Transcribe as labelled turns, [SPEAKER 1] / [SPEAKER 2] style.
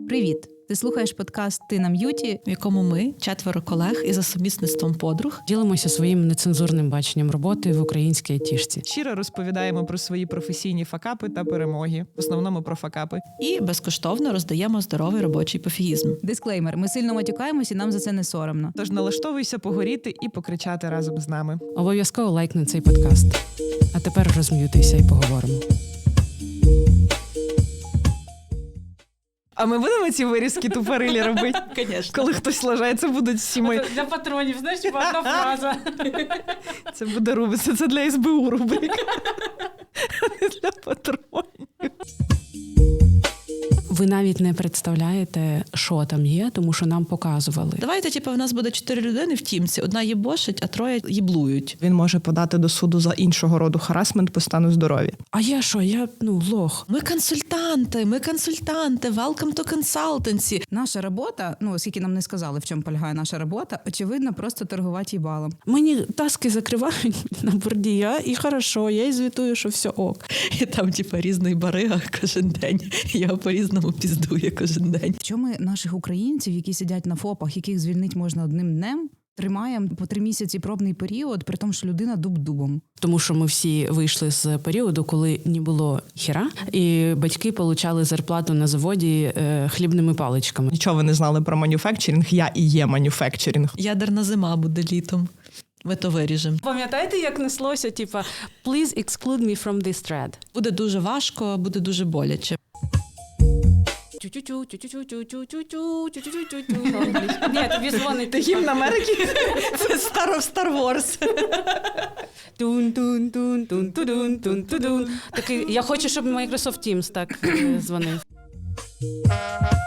[SPEAKER 1] Привіт! Ти слухаєш подкаст «Ти на м'юті»,
[SPEAKER 2] в якому ми, 4 колег і за сумісництвом подруг,
[SPEAKER 3] ділимося своїм нецензурним баченням роботи в українській айтішці.
[SPEAKER 4] Щиро розповідаємо про свої професійні факапи та перемоги. В основному про факапи.
[SPEAKER 2] і безкоштовно роздаємо здоровий робочий пофігізм.
[SPEAKER 1] Дисклеймер, ми сильно матюкаємось і нам за це не соромно.
[SPEAKER 4] Тож налаштовуйся погоріти і покричати разом з нами.
[SPEAKER 3] Обов'язково лайкни цей подкаст. А тепер розм'ютися і поговоримо.
[SPEAKER 4] А ми будемо ці вирізки тупорилі робити?
[SPEAKER 2] Звісно.
[SPEAKER 4] Коли хтось лажається, будуть всі ми.
[SPEAKER 3] Для патронів, знаєш, одна фраза.
[SPEAKER 4] Це буде рубиться, це для СБУ рубрика. А не для патронів.
[SPEAKER 3] Ви навіть не представляєте, що там є, тому що нам показували.
[SPEAKER 2] Давайте, в нас буде 4 людини в тімці. Одна їбошить, а 3 їблують.
[SPEAKER 4] Він може подати до суду за іншого роду харасмент по стану здоров'я.
[SPEAKER 3] А я що? Я, лох.
[SPEAKER 2] Ми консультанти, welcome to consultancy.
[SPEAKER 1] Наша робота, оскільки нам не сказали, в чому полягає наша робота, очевидно, просто торгувати їбалом.
[SPEAKER 3] Мені таски закривають на борді, і хорошо, я і звітую, що все ок.
[SPEAKER 2] І там, різний барига кожен день. Його по-різному піздує кожен день.
[SPEAKER 1] Що ми наших українців, які сидять на ФОПах, яких звільнити можна одним днем, тримаємо по 3 місяці пробний період, при тому, що людина дуб-дубом.
[SPEAKER 3] Тому що ми всі вийшли з періоду, коли не було хіра, і батьки получали зарплату на заводі хлібними паличками.
[SPEAKER 4] Нічого ви не знали про манюфекчеринг, я і є манюфекчеринг.
[SPEAKER 2] Ядерна зима буде літом. Ми то виріжемо.
[SPEAKER 3] Пам'ятаєте, як неслося, please exclude me from this thread?
[SPEAKER 2] Буде дуже важко, буде дуже боляче.
[SPEAKER 3] Ні, тобі дзвонить.
[SPEAKER 4] Гімн Америки?
[SPEAKER 2] Це Star Wars.
[SPEAKER 3] Такий, я хочу, щоб Microsoft Teams так дзвонив.